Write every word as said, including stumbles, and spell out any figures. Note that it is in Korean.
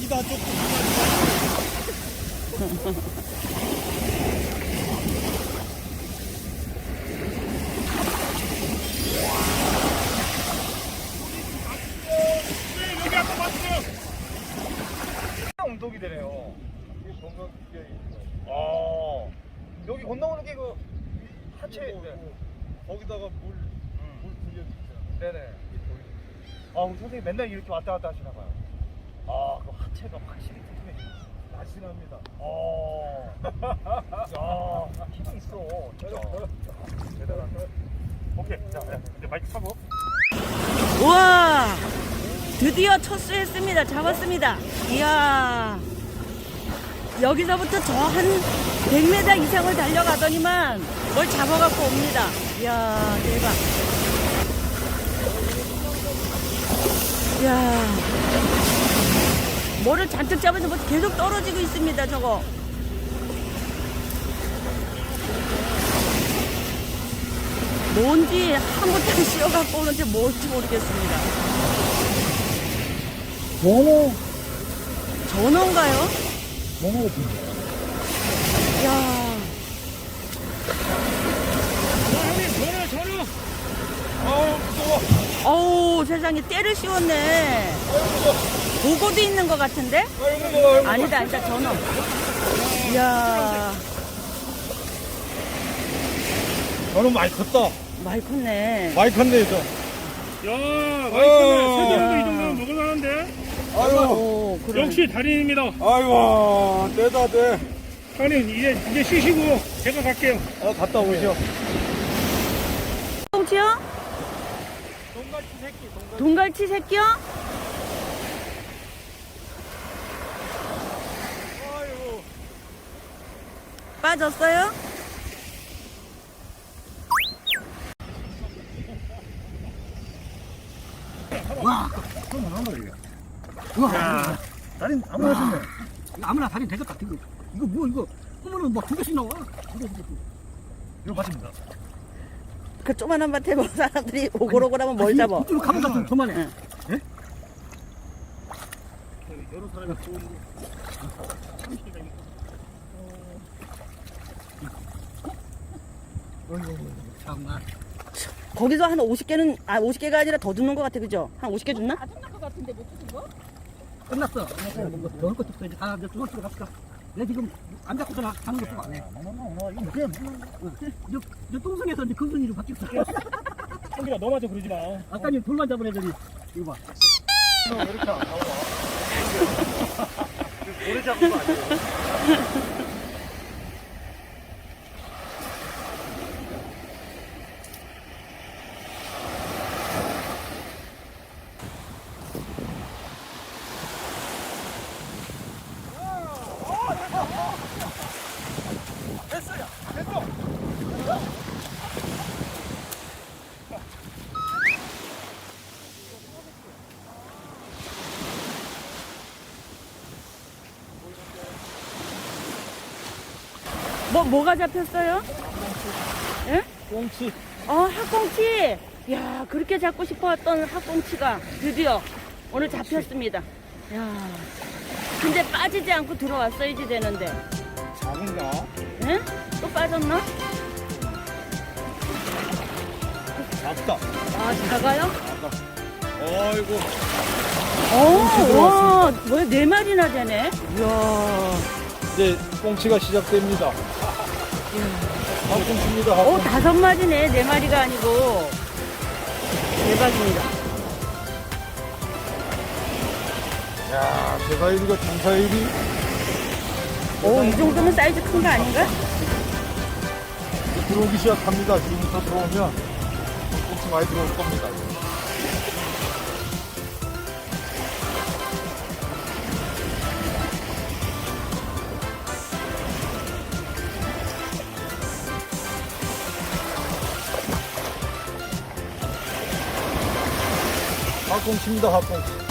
여기다 조금. 여기 아까 봤어요. 운동이 되네요. 아, 여기 건너오는 게 그 하체. 네. 거기다가 물, 물 들려주잖아. 네네. 아, 우리 선생님 맨날 이렇게 왔다 갔다 하시나 봐요. 아, 그 하체가 확실히 튼튼해지네. 날씬합니다. 어. 야, 힘이 있어. 진짜. 대단하다. 오케이. 자, 이제 마이크 사고. 우와, 드디어 첫 수 했습니다. 잡았습니다. 이야, 여기서부터 저 한 백 미터 이상을 달려가더니만 뭘 잡아갖고 옵니다. 이야, 대박. 이야, 뭐를 잔뜩 잡아서 뭐 계속 떨어지고 있습니다. 저거. 뭔지 한 곳에 씌워갖고 오는지 뭔지 모르겠습니다. 전어. 전어인가요? 전어. 이야, 전화 전화. 아우, 무서워. 어우, 세상에 때를 씌웠네. 보고도 있는 것 같은데? 아유, 무서워. 아유, 아니다, 아니다, 전어. 이야, 전어 많이 컸다. 많이 컸네. 많이 컸네, 저. 야, 맛있네. 세정도 이 정도면 먹을만한데. 아유, 오, 그래. 역시 달인입니다. 아이고, 떼다 떼. 달인 이제 이제 쉬시고 제가 갈게요. 아, 갔다 오시오. 똥치요? 동갈치 새끼, 동갈치. 동갈치 새끼요? 아유. 빠졌어요? 와, 다린 아무나 했네. 아무나 다리 되겠다. 이거 이거 뭐 이거 하면은 막 두 개씩 나와. 이거 이거 이거 맞습니다. 그 조만한 밭에 뭐 사람들이 오골오골하면 뭘 잡아? 이쪽으로 가면 좀 그만해. 응. 예? 여러 사람이 좋은 참나. 거기서 한 오십 개는, 아, 오십 개가 아니라 더 줍는 것 같아, 그죠? 한 오십 개 줬나? 끝났어. 넣을 것도 없어. 이제 다 이제 주워 들어 갑시다. 내가 지금 안 잡고서 나 가는 것도 안 해. 이거 그냥 저, 저 똥성에서 이제 금순이로 바뀌었어. 성기라 너 마저 그러지 마. 아까 니 돌만 잡은 애들이 이거 봐. 너 왜 이렇게 안 나와? 오래 잡은 거 아니에요? 됐어요. 됐어. 뭐, 뭐가 잡혔어요? 예? 꽁치. 어, 학꽁치. 야, 그렇게 잡고 싶어했던 학꽁치가 드디어 오늘 잡혔습니다. 야, 근데 빠지지 않고 들어왔어야지 되는데. 작은가? 예? 또 빠졌나? 작다. 아, 작아요? 아이고. 어, 와, 뭐야, 네 마리나 되네? 이야. 이제 꽁치가 시작됩니다. 한꽁치입니다. 오, 다섯 마리네. 네 마리가 아니고. 대박입니다. 야, 제사일이가 장사일이. 오, 이 정도면 사이즈 큰 거 아닌가? 들어오기 시작합니다. 지금부터 들어오면 꽁치 많이 들어올 겁니다. 학꽁치입니다, 학꽁치.